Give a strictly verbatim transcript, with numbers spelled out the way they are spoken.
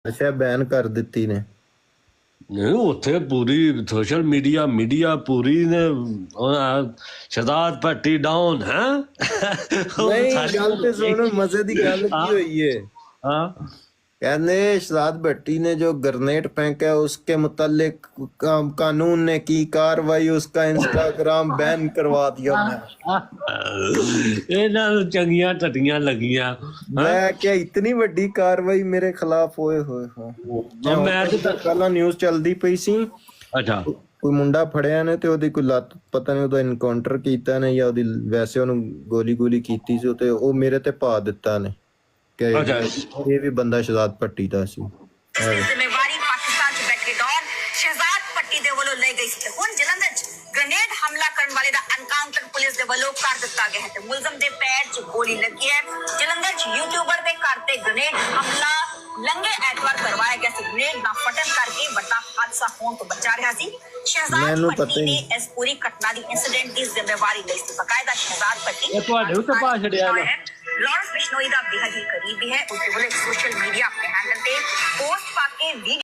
ਅੱਛਾ ਬੈਨ ਕਰ ਦਿੱਤੀ ਨੇ। ਨਹੀਂ ਉੱਥੇ ਪੂਰੀ ਸੋਸ਼ਲ ਮੀਡੀਆ ਮੀਡੀਆ ਪੂਰੀ ਨੇ ਸ਼ਹਿਜ਼ਾਦ ਭੱਟੀ ਡਾਊਨ ਹੈ। ਨਹੀਂ ਗੱਲ ਤੇ ਸੁਣ, ਮਜ਼ੇ ਦੀ ਗੱਲ ਕੀ हुई है। हाँ कहने शहजाद भट्टी ने जो ग्रेनेड फेंका उसके मुतालिक कानून ने की कार्रवाई, उसका इंस्टाग्राम बैन करवा दिया। ਇਹਨਾਂ ਨੂੰ ਚੰਗੀਆਂ ਟੱਟੀਆਂ ਲੱਗੀਆਂ। मैं क्या इतनी ਵੱਡੀ कार्रवाई मेरे खिलाफ होए होए हो। ਮੈਂ ਤਾਂ ਪਹਿਲਾਂ ਨਿਊਜ਼ ਚੱਲਦੀ ਪਈ ਸੀ। ਅੱਛਾ ਕੋਈ ਮੁੰਡਾ ਫੜਿਆ ਨੇ ਤੇ ਉਹਦੀ ਕੋਈ ਲੱਤ ਪਤਾ ਨਹੀਂ ਉਹਦਾ ਇਨਕਾਊਂਟਰ ਕੀਤਾ ਨੇ ਜਾਂ ਉਹਦੀ ਵੈਸੇ ਉਹਨੂੰ ਗੋਲੀ ਗੋਲੀ ਕੀਤੀ ਸੀ ਤੇ ਉਹ ਮੇਰੇ ਤੇ ਪਾ ਦਿੱਤਾ ਨੇ ਕਿ ਇਹ ਵੀ ਬੰਦਾ ਸ਼ਹਜ਼ਾਦ ਭੱਟੀ ਦਾ ਸੀ। ਜ਼ਿੰਮੇਵਾਰੀ ਪਾਕਿਸਤਾਨ ਚ ਬੈਠੇ ਡੌਨ ਸ਼ਹਜ਼ਾਦ ਭੱਟੀ ਦੇ ਵੱਲੋਂ ਲਈ ਗਈ ਸੀ। ਹੁਣ ਜਲੰਧਰ ਚ ਗ੍ਰੇਨੇਡ ਹਮਲਾ ਕਰਨ ਵਾਲੇ ਦਾ ਐਨਕਾਊਂਟਰ ਪੁਲਿਸ ਦੇ ਵੱਲੋਂ ਕਰ ਦਿੱਤਾ ਗਿਆ ਹੈ ਤੇ ਮੁਲਜ਼ਮ ਦੇ ਪੈਰ 'ਚ ਗੋਲੀ ਲੱਗੀ ਹੈ। ਜਲੰਧਰ ਚ ਯੂਟਿਊਬਰ ਦੇ ਘਰ ਤੇ ਗ੍ਰੇਨੇਡ ਹਮਲਾ ਲੰਘੇ ਐਤਵਾਰ ਕਰਵਾਇਆ ਗਿਆ ਸੀ। ਗ੍ਰੇਨੇਡ ਦਾ ਫਟਣ ਕਰਕੇ ਵੱਡਾ ਹਾਦਸਾ ਹੋਣ ਤੋਂ ਬਚਾ ਰਿਹਾ ਸੀ। ਸ਼ਹਜ਼ਾਦ ਭੱਟੀ ਨੇ ਇਸ ਪੂਰੀ ਘਟਨਾ ਦੀ ਇਨਸੀਡੈਂਟ ਦੀ ਜ਼ਿੰਮੇਵਾਰੀ ਲਈ ਸੀ। ਬਕਾਇਦਾ ਸ਼ਹਜ਼ਾਦ ਭੱਟੀ ਇਹ ਤੁਹਾਡੇ ਉੱਤੇ ਪਾ ਛੜਿਆ ਨਾ ਲਾਰੈਂਸ ਬਿਸ਼ਨੋਈ ਦਾ ਬੇਹੱਦ ਹੀ ਕਰੀਬੀ ਹੈ। ਉਸ ਦੇ ਵੱਲੋਂ